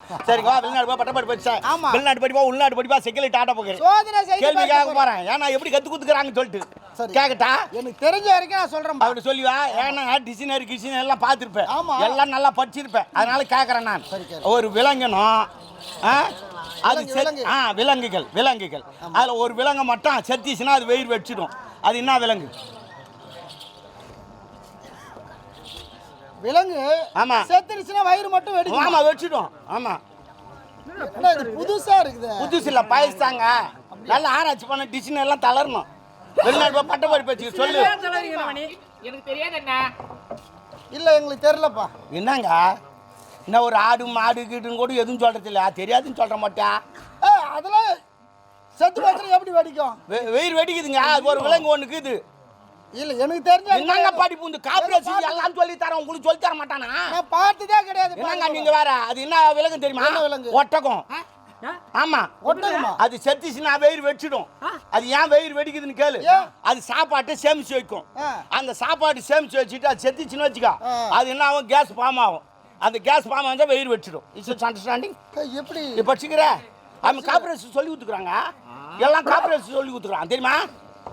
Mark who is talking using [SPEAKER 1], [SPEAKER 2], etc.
[SPEAKER 1] சரிங்க வெளிநாடு போய் பட்டப்படி படிச்சேன் வெளிநாடு படிப்பா உள்நாடு படிப்பா செக்கில் டாட்டா போகிறேன் கேள்வி கேட்க போறேன் ஏன்னா எப்படி கத்து குத்துக்கிறாங்கன்னு சொல்லிட்டு கேக்கட்டா
[SPEAKER 2] எனக்கு தெரிஞ்ச வரைக்கும் நான் சொல்றேன்
[SPEAKER 1] அப்படி சொல்லுவா ஏன்னா டிசைனரி கிச்சன் எல்லாம் பார்த்துருப்பேன் எல்லாம் நல்லா படிச்சிருப்பேன் அதனால கேட்கறேன் நான் ஒரு விலங்கணும் அது விலங்குகள் விலங்குகள் அதுல ஒரு விலங்கு மட்டும் செத்திச்சுன்னா அது வெயிர் வச்சிடும் அது என்ன விலங்கு
[SPEAKER 2] விலங்கு
[SPEAKER 1] ஆமா
[SPEAKER 2] செத்துருச்சுன்னா வயிறு மட்டும் வெடிக்கும்
[SPEAKER 1] ஆமா வச்சிடும் ஆமா
[SPEAKER 2] இது புதுசா இருக்குது
[SPEAKER 1] புதுசு இல்ல பயசாங்க நல்லா ஆராய்ச்சி பண்ண டிசைன் எல்லாம் தளரணும் வெளிநாடு போய் பட்டப்படி வச்சு சொல்லு
[SPEAKER 3] எனக்கு தெரியாது என்ன
[SPEAKER 2] இல்ல எங்களுக்கு தெரியலப்பா
[SPEAKER 1] என்னங்க என்ன ஒரு ஆடு மாடு கீடுன்னு கூட எதுவும் சொல்றது இல்ல தெரியாதுன்னு சொல்ற மாட்டா
[SPEAKER 2] அதெல்லாம் செத்து போச்சுன்னா எப்படி வெடிக்கும்
[SPEAKER 1] வெயிர் வெடிக்குதுங்க ஒரு விலங்கு ஒண்ணுக்கு இது
[SPEAKER 2] இல்ல எனக்கு தெரிஞ்ச
[SPEAKER 1] என்னங்க படிப்பு இந்த கார்ப்பரேஷன் எல்லாம் சொல்லி தரேன் உங்களுக்கு சொல்லி தர மாட்டானா
[SPEAKER 2] நான் பார்த்ததே கிடையாது
[SPEAKER 1] என்னங்க நீங்க வேற அது என்ன விலங்கு தெரியுமா
[SPEAKER 2] என்ன விலங்கு
[SPEAKER 1] ஒட்டகம் ஆமா
[SPEAKER 2] ஒட்டகமா
[SPEAKER 1] அது செத்துச்சுன்னா வெயிர் வெடிச்சிடும் அது ஏன் வெயிர் வெடிக்குதுன்னு கேளு அது சாப்பாட்டை சேமிச்சு வைக்கும் அந்த சாப்பாடு சேமிச்சு வச்சுட்டு அது செத்துச்சுன்னு வச்சுக்கோ அது என்ன ஆகும் கேஸ் ஃபார்ம் ஆகும் அந்த கேஸ் ஃபார்ம் ஆகுது வெயிர் வெடிச்சிடும் இட்ஸ் அண்டர்ஸ்டாண்டிங்
[SPEAKER 2] எப்படி
[SPEAKER 1] இப்போ வச்சுக்கிற அவங்க கார்ப்பரேஷன் சொல்லி கொடுத்துக்குறாங்க எல்லாம் கார்ப்பரேஷன் சொல்லி கொடுத்துக்குறாங்க தெரியுமா